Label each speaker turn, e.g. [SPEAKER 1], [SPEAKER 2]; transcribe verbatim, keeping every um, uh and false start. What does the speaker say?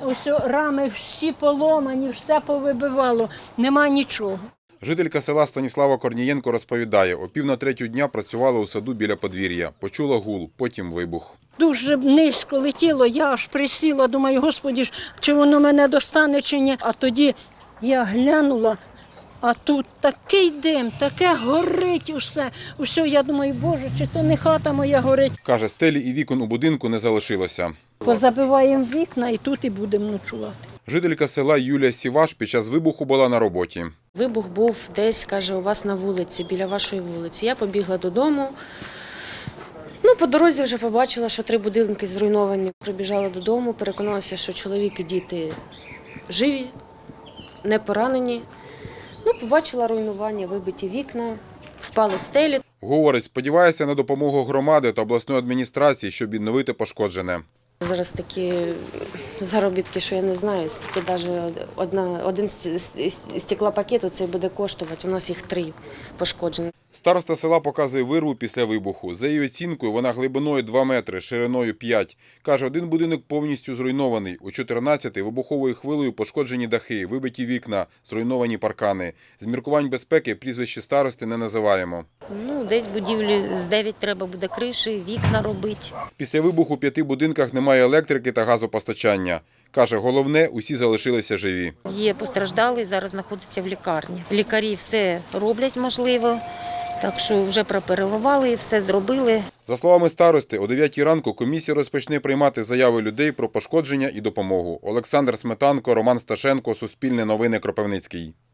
[SPEAKER 1] Ось рами всі поломані, все повибивало, нема нічого.
[SPEAKER 2] Жителька села Станіслава Корнієнко розповідає, о пів на третю дня працювала у саду біля подвір'я. Почула гул, потім вибух.
[SPEAKER 1] Дуже низько летіло, я аж присіла, думаю, Господи ж, чи воно мене достане, чи ні. А тоді я глянула, а тут такий дим, таке горить усе. Усе, я думаю, Боже, чи то не хата моя горить.
[SPEAKER 2] Каже, стелі і вікон у будинку не залишилося.
[SPEAKER 1] Позабиваємо вікна і тут і будемо ночувати.
[SPEAKER 2] Жителька села Юлія Сіваш під час вибуху була на роботі.
[SPEAKER 3] Вибух був десь, каже, у вас на вулиці, біля вашої вулиці. Я побігла додому. Ну, по дорозі вже побачила, що три будинки зруйновані. Прибіжала додому, переконалася, що чоловік і діти живі, не поранені. Ну, побачила руйнування, вибиті вікна, впали стелі.
[SPEAKER 2] Говорить, сподівається на допомогу громади та обласної адміністрації, щоб відновити пошкоджене.
[SPEAKER 3] Зараз такі заробітки, що я не знаю, скільки навіть одна, один стеклопакет оцей буде коштувати. У нас їх три пошкоджені.
[SPEAKER 2] Староста села показує вирву після вибуху. За її оцінкою, вона глибиною два метри, шириною п'ять. Каже, один будинок повністю зруйнований. У чотирнадцяти вибуховою хвилею пошкоджені дахи, вибиті вікна, зруйновані паркани. З міркувань безпеки прізвище старости не називаємо.
[SPEAKER 4] Ну, десь будівлі з дев'ять треба буде криші, вікна робити.
[SPEAKER 2] Після вибуху у п'яти будинках немає електрики та газопостачання. Каже, головне, усі залишилися живі.
[SPEAKER 4] Є постраждалий, зараз знаходиться в лікарні. Лікарі все роблять можливо, так що вже пропереливали, все зробили.
[SPEAKER 2] За словами старости, о дев'ятій ранку комісія розпочне приймати заяви людей про пошкодження і допомогу. Олександр Сметанко, Роман Сташенко, Суспільне новини, Кропивницький.